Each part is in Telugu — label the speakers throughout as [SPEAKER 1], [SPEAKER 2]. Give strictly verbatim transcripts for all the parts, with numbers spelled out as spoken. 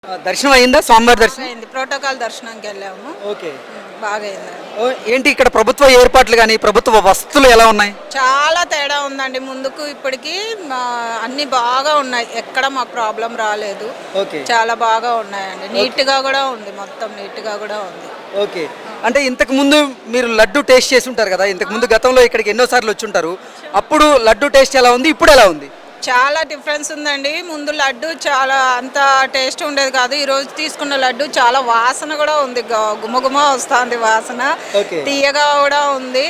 [SPEAKER 1] దర్శనం అయిందా? స్వామివారి దర్శనం
[SPEAKER 2] అయింది. ప్రోటోకాల్ దర్శనంకి వెళ్ళాము.
[SPEAKER 1] ఓకే,
[SPEAKER 2] బాగా అయిందండి.
[SPEAKER 1] ఓ, ఏంటి ఇక్కడ ప్రభుత్వ ఏర్పాట్లు కానీ ప్రభుత్వ వసతులు ఎలా ఉన్నాయి?
[SPEAKER 2] చాలా తేడా ఉందండి. ముందుకు ఇప్పటికి మా అన్ని బాగా ఉన్నాయి. ఎక్కడ మాకు ప్రాబ్లం రాలేదు.
[SPEAKER 1] ఓకే,
[SPEAKER 2] చాలా బాగా ఉన్నాయండి. నీట్ గా కూడా ఉంది. మొత్తం నీట్ గా కూడా ఉంది.
[SPEAKER 1] ఓకే. అంటే ఇంతకు ముందు మీరు లడ్డు టేస్ట్ చేసి ఉంటారు కదా, ఇంతకు ముందు గతంలో ఇక్కడికి ఎన్నోసార్లు వచ్చి ఉంటారు. అప్పుడు లడ్డు టేస్ట్ ఎలా ఉంది, ఇప్పుడు ఎలా ఉంది?
[SPEAKER 2] చాలా డిఫరెన్స్ ఉందండి. ముందు లడ్డు చాలా అంత టేస్ట్ ఉండేది కాదు. ఈ రోజు తీసుకున్న లడ్డు చాలా వాసన కూడా ఉంది. గుమగుమ వస్తుంది వాసన, తీయగా కూడా ఉంది.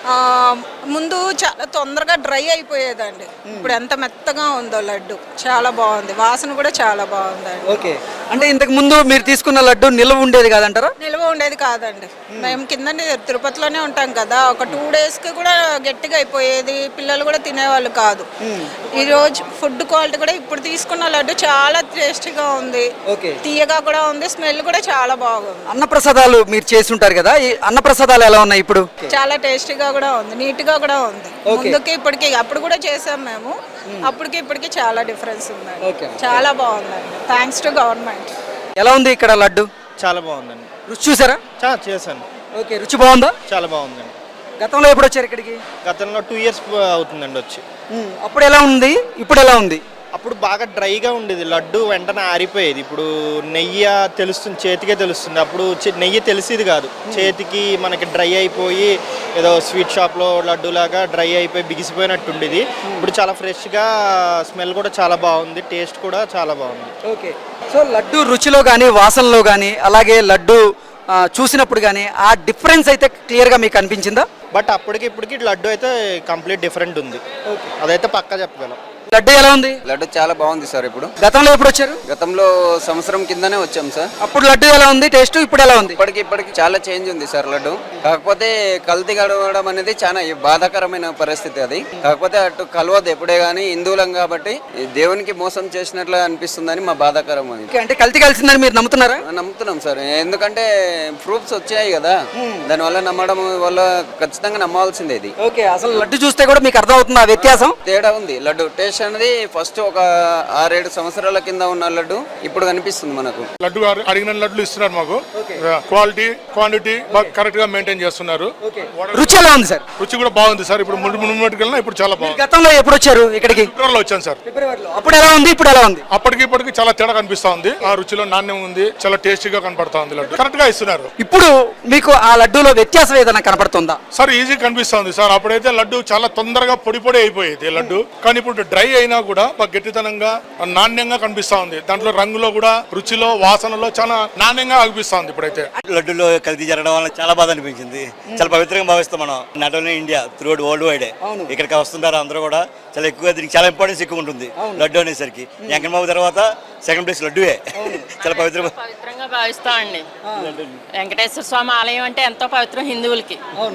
[SPEAKER 2] ముందు చాలా తొందరగా డ్రై అయిపోయేదండి. ఇప్పుడు ఎంత మెత్తగా ఉందో లడ్డు, చాలా బాగుంది. వాసన కూడా చాలా బాగుందండి.
[SPEAKER 1] ఓకే, అంటే ఇంతకు ముందు మీరు తీసుకున్న లడ్డు నిల్వ ఉండేది కాదంటారా?
[SPEAKER 2] నిల్వ ఉండేది కాదండి. మేము కింద తిరుపతిలోనే ఉంటాం కదా, ఒక టూ డేస్ కి కూడా గట్టిగా అయిపోయేది. పిల్లలు కూడా తినేవాళ్ళు కాదు. ఈ రోజు ఫుడ్ క్వాలిటీ కూడా ఇప్పుడు తీసుకున్న లడ్డు చాలా టేస్టీగా ఉంది. తీయగా కూడా ఉంది. స్మెల్ కూడా చాలా బాగుంది.
[SPEAKER 1] అన్నప్రసాదాలు మీరు చేసి ఉంటారు కదా, ఈ అన్నప్రసాదాలు ఎలా ఉన్నాయి ఇప్పుడు?
[SPEAKER 2] చాలా టేస్టీగా కూడా ఉంది. నీట్ గా కూడా ఉంది. ముందుకి ఇప్పటికి, అప్పుడు కూడా చేసాం మేము, అప్పటికి ఇప్పటికి చాలా డిఫరెన్స్ ఉంది. చాలా బాగుందండి. Thanks to government.
[SPEAKER 1] ఎలా ఉంది ఇక్కడ లడ్డు?
[SPEAKER 3] చాలా బాగుందండి.
[SPEAKER 1] రుచి చూసారా?
[SPEAKER 3] చాలా చేశాను.
[SPEAKER 1] ఓకే, రుచి బాగుందా?
[SPEAKER 3] చాలా బాగుందండి.
[SPEAKER 1] గతంలో ఎప్పుడు వచ్చారు ఇక్కడికి?
[SPEAKER 3] గతంలో టూ ఇయర్స్ అవుతుందండి వచ్చి.
[SPEAKER 1] అప్పుడు ఎలా ఉంది, ఇప్పుడు ఎలా ఉంది?
[SPEAKER 3] అప్పుడు బాగా డ్రైగా ఉండేది లడ్డు, వెంటనే ఆరిపోయేది. ఇప్పుడు నెయ్యి తెలుస్తుంది, చేతికే తెలుస్తుంది. అప్పుడు నెయ్యి తెలిసేది కాదు, చేతికి మనకి డ్రై అయిపోయి ఏదో స్వీట్ షాప్లో లడ్డు లాగా డ్రై అయిపోయి బిగిసిపోయినట్టు ఉండేది. ఇప్పుడు చాలా ఫ్రెష్గా, స్మెల్ కూడా చాలా బాగుంది, టేస్ట్ కూడా చాలా బాగుంది.
[SPEAKER 1] ఓకే, సో లడ్డు రుచిలో కానీ వాసనలో కానీ అలాగే లడ్డు చూసినప్పుడు కానీ ఆ డిఫరెన్స్ అయితే క్లియర్గా మీకు అనిపించిందా?
[SPEAKER 3] బట్ అప్పటికి ఇప్పటికి లడ్డు అయితే కంప్లీట్ డిఫరెంట్ ఉంది. అదైతే పక్కా చెప్పగలం.
[SPEAKER 1] లడ్డు ఎలా ఉంది?
[SPEAKER 4] లడ్డు చాలా బాగుంది సార్. ఇప్పుడు
[SPEAKER 1] గతంలో ఎప్పుడు వచ్చారు?
[SPEAKER 4] గతంలో సంవత్సరం కిందనే వచ్చాం సార్.
[SPEAKER 1] అప్పుడు లడ్డు ఎలా ఉంది టేస్ట్, ఇప్పుడు ఎలా ఉంది?
[SPEAKER 4] ఇప్పటికి ఇప్పటికి చాలా చేంజ్ ఉంది సార్ లడ్డు. కాకపోతే కల్తీ గడవడం అనేది చాలా బాధాకరమైన పరిస్థితి అది. కాకపోతే అటు కలవదు ఎప్పుడే గానీ, హిందువులం కాబట్టి దేవునికి మోసం చేసినట్లు అనిపిస్తుందని మా బాధాకరం అది.
[SPEAKER 1] అంటే కల్తీ కలిసిందని మీరు నమ్ముతున్నారా?
[SPEAKER 4] నమ్ముతున్నాం సార్, ఎందుకంటే ప్రూఫ్స్ వచ్చాయి కదా, దాని వల్ల నమ్మడం వల్ల ఖచ్చితంగా నమ్మవలసిందే ఇది.
[SPEAKER 1] ఓకే, అసలు లడ్డు చూస్తే కూడా మీకు అర్థం అవుతుంది ఆ వ్యత్యాసం?
[SPEAKER 4] తేడా ఉంది. లడ్డు టేస్ట్ అనేది ఫస్ట్ ఒక ఆరేడు సంవత్సరాల కింద ఉన్న లడ్డు ఇప్పుడు కనిపిస్తుంది మనకు.
[SPEAKER 5] లడ్డు అడిగిన లడ్లు ఇస్తున్నారు మాకు. క్వాలిటీ క్వాంటిటీ కరెక్ట్ గా మెయింటైన్ చేస్తున్నారు.
[SPEAKER 1] రుచి ఎలా ఉంది సార్?
[SPEAKER 5] రుచి కూడా బాగుంది సార్. ఇప్పుడు ముందుకెళ్ళినా ఇప్పుడు చాలా బాగుంది.
[SPEAKER 1] గతంలో ఎప్పుడు వచ్చారు ఇక్కడికి?
[SPEAKER 5] ఫిబ్రవరిలో వచ్చాను సార్.
[SPEAKER 1] అప్పుడు ఎలా ఉంది, ఇప్పుడు ఎలా ఉంది?
[SPEAKER 5] అప్పటికి ఇప్పటికి చాలా తేడా కనిపిస్తా ఉంది. ఆ రుచిలో నాణ్యం ఉంది, చాలా టేస్టీగా కనపడతా ఉంది. లడ్డు కరెక్ట్ గా ఇస్తున్నారు.
[SPEAKER 1] ఇప్పుడు మీకు ఆ లడ్డూలో వ్యత్యాసం ఏదైనా కనపడుతుందా?
[SPEAKER 5] సార్ ఈజీ కనిపిస్తా ఉంది సార్. అప్పుడైతే లడ్డు చాలా తొందరగా పొడి పొడి అయిపోయేది లడ్డు, కానీ ఇప్పుడు డ్రై అయినా కూడా గట్టితనంగా నాణ్యంగా కనిపిస్తా ఉంది. దాంట్లో రంగులో కూడా, రుచిలో, వాసనలో చాలా నాణ్యంగా అనిపిస్తా ఉంది ఇప్పుడైతే.
[SPEAKER 6] లడ్డులో కల్తీ జరగడం వల్ల చాలా బాధ అనిపించింది. చాలా పవిత్రంగా భావిస్తాం మనం, not only India, through world wide. ఇక్కడికి వస్తుంటారు అందరూ కూడా. చాలా ఎక్కువగా దీనికి చాలా ఇంపార్టెన్స్ ఎక్కువ ఉంటుంది లడ్డు అనేసరికి. వెంకటబాబు తర్వాత సెకండ్ ప్లేస్ లడ్డువే. చాలా పవిత్రంగా
[SPEAKER 7] పవిత్రంగా భావిస్తామండి. వెంకటేశ్వర స్వామి ఆలయం అంటే ఎంతో పవిత్రం హిందువులకి.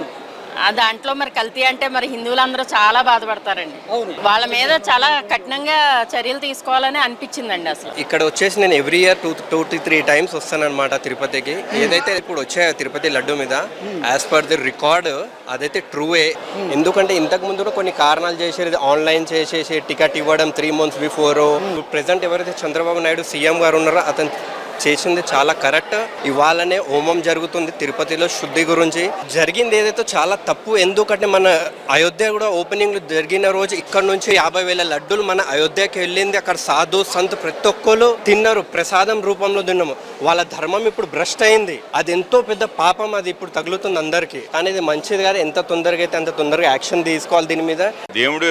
[SPEAKER 7] దాంట్లో మరి కల్తీ అంటే మరి హిందువులందరూ చాలా బాధపడతారండి. వాళ్ళ మీద చాలా కఠినంగా చర్యలు తీసుకోవాలని అనిపించిందండి. అసలు
[SPEAKER 8] ఇక్కడ వచ్చేసి నేను every year two two to three times వస్తానన్నమాట తిరుపతికి. ఏదైతే ఇప్పుడు వచ్చాయో తిరుపతి లడ్డు మీద, యాజ్ పర్ ది రికార్డ్ అదైతే ట్రూవే. ఎందుకంటే ఇంతకు ముందు కొన్ని కారణాలు చేసేది, ఆన్లైన్ చేసేసి టికెట్ ఇవ్వడం త్రీ మంత్స్ బిఫోర్. ప్రెసెంట్ ఎవరైతే చంద్రబాబు నాయుడు సీఎం గారు ఉన్నారో అతను చేసింది చాలా కరెక్ట్. ఇవాళనే హోమం జరుగుతుంది తిరుపతిలో, శుద్ధి గురించి జరిగింది ఏదైతే చాలా తప్పు. ఎందుకంటే మన అయోధ్య కూడా ఓపెనింగ్ జరిగిన రోజు ఇక్కడ నుంచి యాభై వేల లడ్డూలు మన అయోధ్యకి వెళ్ళింది. అక్కడ సాధు సంత్ ప్రతి ఒక్కరు తిన్నారు, ప్రసాదం రూపంలో తిన్నాము. వాళ్ళ ధర్మం ఇప్పుడు భ్రష్ట్ అయింది. అది ఎంతో పెద్ద పాపం, అది ఇప్పుడు తగులుతుంది అందరికి. కానీ ఇది మంచిది కాదు. ఎంత తొందరగా అయితే అంత తొందరగా యాక్షన్ తీసుకోవాలి దీని మీద.
[SPEAKER 9] దేవుడు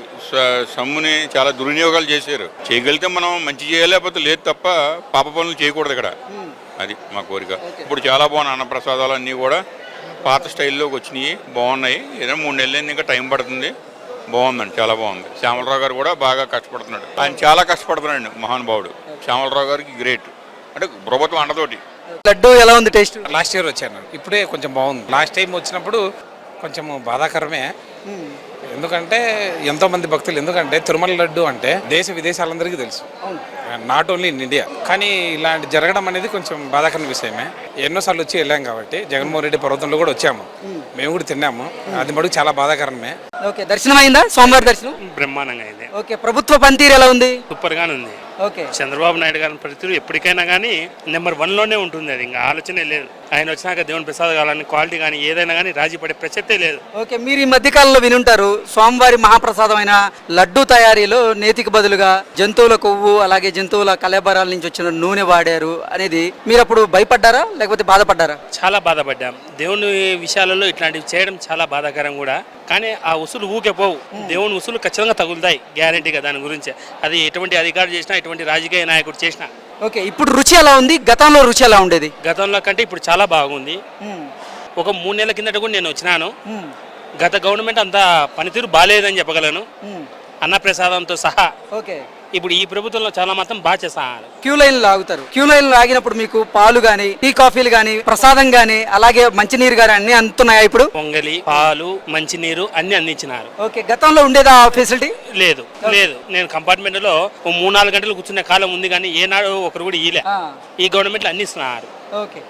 [SPEAKER 9] సమ్ముని చాలా దుర్వినియోగాలు చేశారు. చేయగలిగితే మనం మంచి చేయాలి, లేకపోతే లేదు తప్ప పాప పనులు చేయకూడదు ఇక్కడ. అది మా కోరిక. ఇప్పుడు చాలా బాగున్నాయి అన్నప్రసాదాలు అన్నీ కూడా పాత స్టైల్లోకి వచ్చినాయి, బాగున్నాయి. ఏదైనా మూడు నెలలు ఇంకా టైం పడుతుంది. బాగుందండి, చాలా బాగుంది. శ్యామలరావు గారు కూడా బాగా కష్టపడుతున్నాడు. ఆయన చాలా కష్టపడుతున్నాడు మహానుభావుడు. శ్యామలరావు గారికి గ్రేట్. అంటే ప్రభుత్వం అండతోటి.
[SPEAKER 1] లడ్డు ఎలా ఉంది టేస్ట్?
[SPEAKER 10] లాస్ట్ ఇయర్ వచ్చాను, ఇప్పుడే కొంచెం బాగుంది. లాస్ట్ టైం వచ్చినప్పుడు కొంచెం బాధాకరమే. ఎందుకంటే ఎంతో మంది భక్తులు, ఎందుకంటే తిరుమల లడ్డు అంటే దేశ విదేశాలందరికీ తెలుసు, నాట్ ఓన్లీ ఇన్ ఇండియా. కానీ ఇలాంటి జరగడం అనేది కొంచెం బాధాకరమైన విషయమే. ఎన్నోసార్లు వచ్చి వెళ్ళాం కాబట్టి, జగన్మోహన్ రెడ్డి పర్వతంలో కూడా వచ్చాము, మేము కూడా తిన్నాము. అది మటుకు చాలా బాధాకరమే.
[SPEAKER 1] ఓకే, దర్శనం అయిందా? స్వామివారి దర్శనం
[SPEAKER 11] బ్రహ్మాండంగా అయింది.
[SPEAKER 1] ఓకే, ప్రభుత్వ పనితీరు ఎలా ఉంది?
[SPEAKER 11] సూపర్ గానే ఉంది.
[SPEAKER 1] ఓకే.
[SPEAKER 11] చంద్రబాబు నాయుడు గారి పరిస్థితులు ఎప్పటికైనా కానీ నెంబర్ వన్లోనే ఉంటుంది. అది ఇంకా ఆలోచనే లేదు. ఆయన వచ్చినాక దేవుని ప్రసాద్ కావాలని క్వాలిటీ కానీ ఏదైనా కానీ రాజీ పడే ప్రసక్తే లేదు.
[SPEAKER 1] ఓకే, మీరు ఈ మధ్య కాలంలో వినుంటారు స్వామివారి మహాప్రసాదమైన లడ్డు తయారీలో నేతికి బదులుగా జంతువుల కొవ్వు అలాగే జంతువుల కలేబరాల నుంచి వచ్చిన నూనె వాడారు అనేది మీరు అప్పుడు భయపడ్డారా లేకపోతే బాధపడ్డారా?
[SPEAKER 11] చాలా బాధపడ్డాం. దేవుని విషయాలలో ఇట్లాంటివి చేయడం చాలా బాధాకరం కూడా. కానీ ఆ ఉసులు ఊకే పోవు. దేవుని ఉసులు ఖచ్చితంగా తగులుతాయి గ్యారంటీగా. దాని గురించి అది ఎటువంటి అధికారులు చేసినా ఎటువంటి రాజకీయ నాయకుడు చేసినా.
[SPEAKER 1] ఓకే, ఇప్పుడు రుచి ఎలా ఉంది, గతంలో రుచి ఎలా ఉండేది?
[SPEAKER 11] గతంలో కంటే ఇప్పుడు చాలా బాగుంది. ఒక మూడు నెలల కిందట కూడా నేను వచ్చినాను. గత గవర్నమెంట్ అంతా పనితీరు బాగాలేదని చెప్పగలను, అన్నప్రసాదంతో సహా.
[SPEAKER 1] ఓకే,
[SPEAKER 11] ఇప్పుడు ఈ ప్రభుత్వంలో చాలా మాత్రం బాగా చేస్తారు.
[SPEAKER 1] క్యూ లైన్లు ఆగుతారు. క్యూ లైన్లు ఆగినప్పుడు మీకు పాలు గానీ టీ కాఫీలు గానీ ప్రసాదం గానీ అలాగే మంచినీరు గానీ అన్ని అందుతున్నాయా ఇప్పుడు?
[SPEAKER 11] పొంగలి, పాలు, మంచినీరు అన్ని అందించినారు.
[SPEAKER 1] ఓకే, గతంలో ఉండేదా ఆ ఫెసిలిటీ?
[SPEAKER 11] లేదు లేదు. నేను కంపార్ట్మెంట్ లో మూడు నాలుగు గంటలు కూర్చునే కాలం ఉంది కానీ ఏనాడు ఒకరు కూడా ఇలే. ఈ గవర్నమెంట్ లో అన్ని ఇస్తున్నారు.
[SPEAKER 1] ఓకే.